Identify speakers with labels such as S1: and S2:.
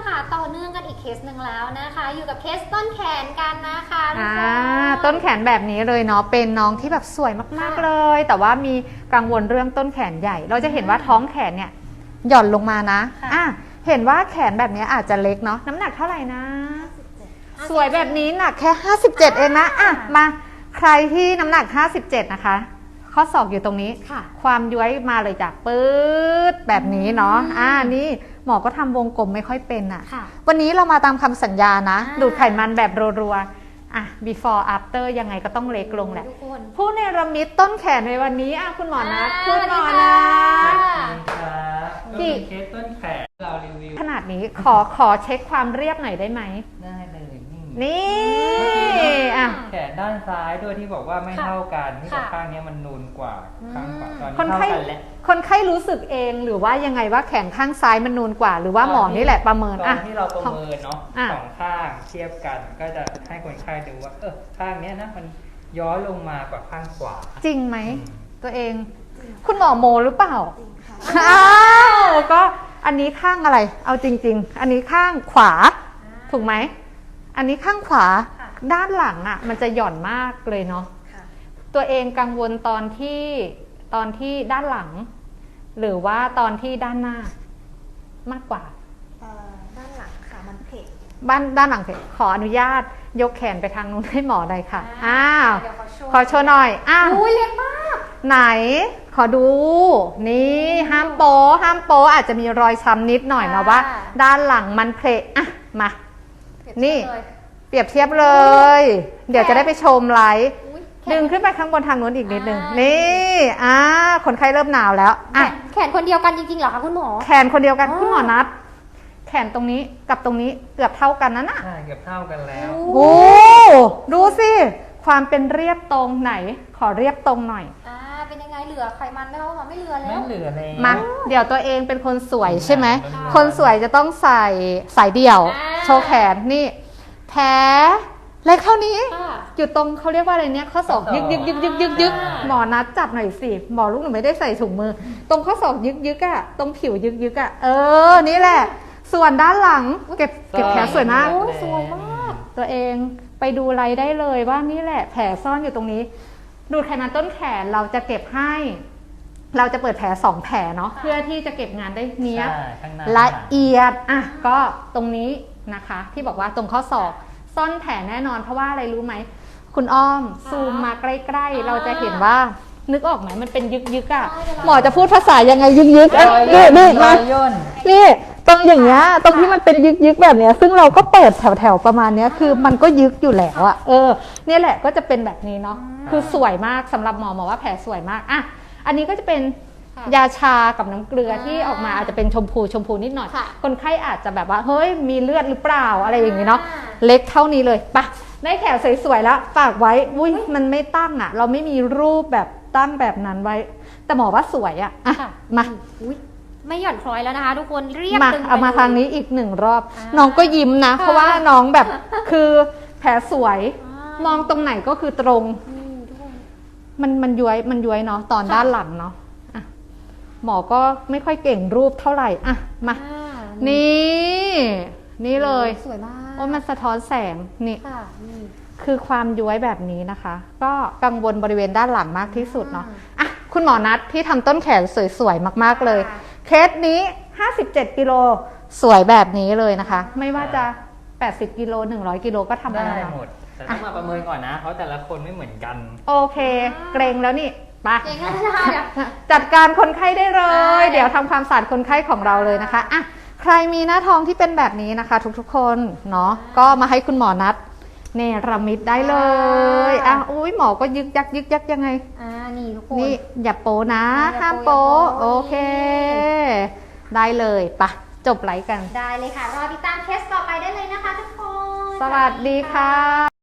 S1: ค่ะต่อเนื่องกันอีกเคสหนึ่งแล้วนะคะอยู่กับเคสต้นแขนกันนะคะ
S2: ต้นแขนแบบนี้เลยเนาะเป็นน้องที่แบบสวยมากๆเลยแต่ว่ามีกังวลเรื่องต้นแขนใหญ่เราจะเห็นว่าท้องแขนเนี่ยหย่อนลงมานะเห็นว่าแขนแบบนี้อาจจะเล็กเนาะน้ำหนักเท่าไหร่นะสวยแบบนี้หนักแค่57เองนะมาใครที่น้ำหนัก57นะคะข้อศอกอยู่ตรงนี้ความย้วยมาเลยจากปื๊ดแบบนี้เนาะนี่หมอก็ทำวงกลมไม่ค่อยเป็นวันนี้เรามาตามคำสัญญานะดูดไขมันแบบรัวๆbefore after ยังไงก็ต้องเล็กลงแหละผู้เนรมิตต้นแขนในวันนี้คุณหมอนัทคุณหมอนัท
S3: กี่เคสต้นแขนเรารีวิว
S2: ขนาดนี้ขอเช็คความเรียบหน่อยได้ไหม
S3: ได้เลย
S2: นี่
S3: แขนด้านซ้ายด้วยที่บอกว่าไม่เท่ากันที่บอกข้างนี้มันนูนกว่าข้างขวาตอนนี้เท่ากันแล้ว
S2: คนไข้รู้สึกเองหรือว่ายังไงว่าแขนข้างซ้ายมันนูนกว่าหรือว่าหมอนี่แหละประเมิน
S3: ตอนที่เราประเมินเนาะสองข้างเทียบกันก็จะให้คนไข้ดูว่าข้างนี้นะมันย้อยลงมากว่าข้างขวา
S2: จริงไหมตัวเองคุณหมอโมหรือเปล่าก็อันนี้ข้างอะไรเอาจริงๆอันนี้ข้างขวาถูกไหมอันนี้ข้างขวาด้านหลังมันจะหย่อนมากเลยเนาะตัวเองกังวลตอนที่ด้านหลังหรือว่าตอนที่ด้านหน้ามากกว่า
S1: ด้านหลังค่ะมันเพก
S2: ด้านหลังเพกขออนุญาตยกแขนไปทางนู้นให้หมอได้ค่ะขอโชว์หน่อย
S1: เล็กมาก
S2: ไหนขอดูนี่ห้ามโป๊อาจจะมีรอยช้ำนิดหน่อยนะว่าด้านหลังมันเพกมานี่เปรียบเทียบเลยเดี๋ยวจะได้ไปชมไลฟ์ดึงขึ้นไปข้างบนทางนู้นอีกนิดนึงนี่คนไข้เริ่มหนาวแล้ว
S1: แขนคนเดียวกันจริงๆเหรอคะคุณหมอ
S2: แขนคนเดียวกันคุณหมอนัดแขนตรงนี้กับตรงนี้เกือบเท่ากันนั่น
S3: ใช่เกือบเท่ากันแล้ว
S2: โอ้ดูสิความเป็นเรียบตรงไหนขอเรียบตรงหน่อย
S1: เป็นยังไงเหลือไขมันไหมคะไม่เหลือแล้ว
S3: ไม่เหลือเลย
S2: มาเดี๋ยวตัวเองเป็นคนสวยใช่ไหมคนสวยจะต้องใส่สายเดี่ยวโชว์แขนนี่แผลเล็กเท่านี้อยู่ตรงเขาเรียกว่าอะไรเนี่ยข้อศอกยึกหมอนัดจับหน่อยสิหมอลูกหนูไม่ได้ใส่ถุงมือตรงข้อศอกยึกตรงผิวยึกนี่แหละส่วนด้านหลังเก็บแผลสวยมาก
S1: สวยมาก
S2: ตัวเองไปดูไลฟ์ได้เลยว่านี่แหละแผลซ่อนอยู่ตรงนี้ดูดไขมันต้นแขนเราจะเก็บให้เราจะเปิดแผล2แผลเนาะเพื่อที่จะเก็บงานได้เนี้ยละเอียดก็ตรงนี้นะคะที่บอกว่าตรงข้อศอกซ่อนแผลแน่นอนเพราะว่าอะไรรู้ไหมคุณอ้อมซูมมาใกล้ๆเราจะเห็นว่านึกออกไหมมันเป็นยึกหมอจะพูดภาษายังไงยึกนี่มานี่ตรงอย่างเงี้ยตรงที่มันเป็นยึกแบบเนี้ยซึ่งเราก็เปิดแถวประมาณเนี้ยคือมันก็ยึกอยู่แล้วเนี่ยแหละก็จะเป็นแบบนี้เนาะคือสวยมากสำหรับหมอว่าแผลสวยมากอันนี้ก็จะเป็นยาชากับน้ำเกลือที่ออกมาอาจจะเป็นชมพูนิดหน่อยคนไข้อาจจะแบบว่าเฮ้ยมีเลือดหรือเปล่าอะไรอย่างนี้เนาะเล็กเท่านี้เลยปะได้แขนสวยๆแล้วฝากไว้อุ้ยมันไม่ตั้งเราไม่มีรูปแบบตั้งแบบนั้นไว้แต่หมอว่าสวยมา
S1: ไม่หย่อนคล้อยแล้วนะคะทุกคนเรียบตึง
S2: เอามาทางนี้อีก1รอบน้องก็ยิ้มนะเพราะว่าน้องแบบคือแผลสวยมองตรงไหนก็คือตรงมันย้วยเนาะตอนด้านหลังเนาะหมอก็ไม่ค่อยเก่งรูปเท่าไหร่มานี่เลย
S1: สวยมาก
S2: มันสะท้อนแสงนี่คือความย้วยแบบนี้นะคะก็กังวลบริเวณด้านหลังมากที่สุดเนาะคุณหมอนัทที่ทำต้นแขนสวยๆมากๆเลยเคสนี้57กิโลสวยแบบนี้เลยนะคะไม่ว่าจะ80กิโล100กิโลก็ทำ
S3: ได้หมดแต่ต้องมาประเมินก่อนนะเพราะแต่ละคนไม่เหมือนกัน
S2: โอเคเกรงแล้วนี่ไปจัดการคนไข้ได้เลยเดี๋ยวทำความสะอาดคนไข้ของเราเลยนะคะใครมีหน้าท้องที่เป็นแบบนี้นะคะทุกๆคนเนาะก็มาให้คุณหมอนัดเนรมิตได้เลยอุ้ยหมอก็ยึกยักยังไง
S1: นี่ทุกคน
S2: นี่อย่าโป๊นะห้ามโป๊โอเคได้เลยปะจบไลฟ์กัน
S1: ได้เลยค่ะรอติดตามเคสต่อไปได้เลยนะคะทุกคน
S2: สวัสดีค่ะ